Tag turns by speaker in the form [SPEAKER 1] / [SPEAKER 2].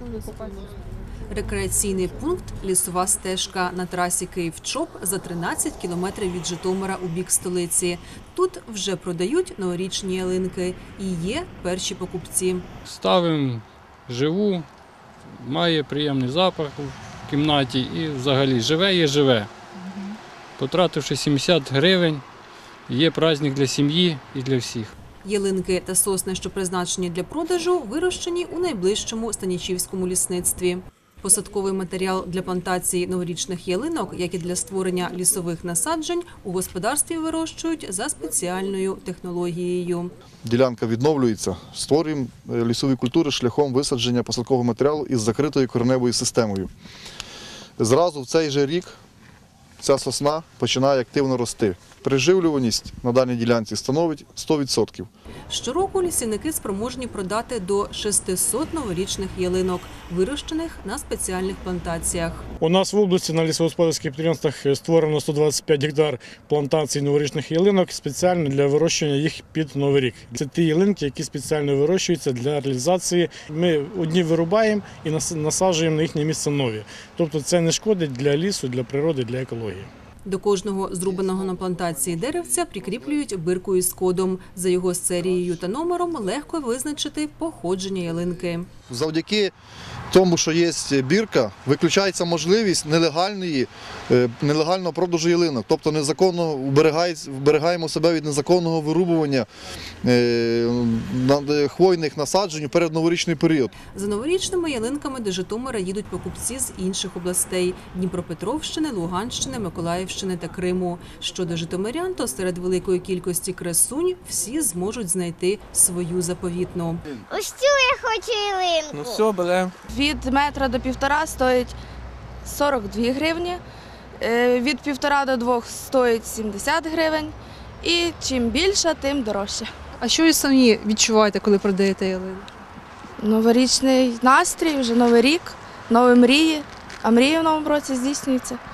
[SPEAKER 1] Рекреаційний пункт – лісова стежка на трасі Київ-Чоп за 13 кілометрів від Житомира у бік столиці. Тут вже продають новорічні ялинки і є перші покупці.
[SPEAKER 2] Ставимо живу, має приємний запах у кімнаті і взагалі живе є живе. Потративши 70 гривень, є праздник для сім'ї і для всіх.
[SPEAKER 1] Ялинки та сосни, що призначені для продажу, вирощені у найближчому станічівському лісництві. Посадковий матеріал для плантації новорічних ялинок, як і для створення лісових насаджень, у господарстві вирощують за спеціальною технологією.
[SPEAKER 3] Ділянка відновлюється, створюємо лісові культури шляхом висадження посадкового матеріалу із закритою кореневою системою. Зразу в цей же рік ця сосна починає активно рости. Приживлюваність на даній ділянці становить 100%.
[SPEAKER 1] Щороку лісівники спроможні продати до 600 новорічних ялинок, вирощених на спеціальних плантаціях.
[SPEAKER 4] У нас в області на лісогосподарських підприємствах створено 125 гектар плантацій новорічних ялинок спеціально для вирощування їх під Новий рік. Це ті ялинки, які спеціально вирощуються для реалізації. Ми одні вирубаємо і насаджуємо на їхнє місце нові. Тобто це не шкодить для лісу, для природи, для екології.
[SPEAKER 1] До кожного зрубаного на плантації деревця прикріплюють бирку із кодом. За його серією та номером легко визначити походження ялинки.
[SPEAKER 3] Завдяки тому, що є бірка, виключається можливість нелегального продажу ялинок. Тобто незаконно вберігаємо себе від незаконного вирубування хвойних насаджень у передноворічний період.
[SPEAKER 1] За новорічними ялинками до Житомира їдуть покупці з інших областей – Дніпропетровщини, Луганщини, Миколаївщини та Криму. Щодо житомирян, то серед великої кількості красунь всі зможуть знайти свою заповітну.
[SPEAKER 5] Ось цю я хочу ялинку.
[SPEAKER 6] Ну все, беремо.
[SPEAKER 7] Від метра до півтора стоїть 42 гривні, від півтора до 2 стоїть 70 гривень і чим більше, тим дорожче.
[SPEAKER 8] А що ви самі відчуваєте, коли продаєте ялинки?
[SPEAKER 7] Новорічний настрій, вже Новий рік, нові мрії, а мрії в новому році здійснюються.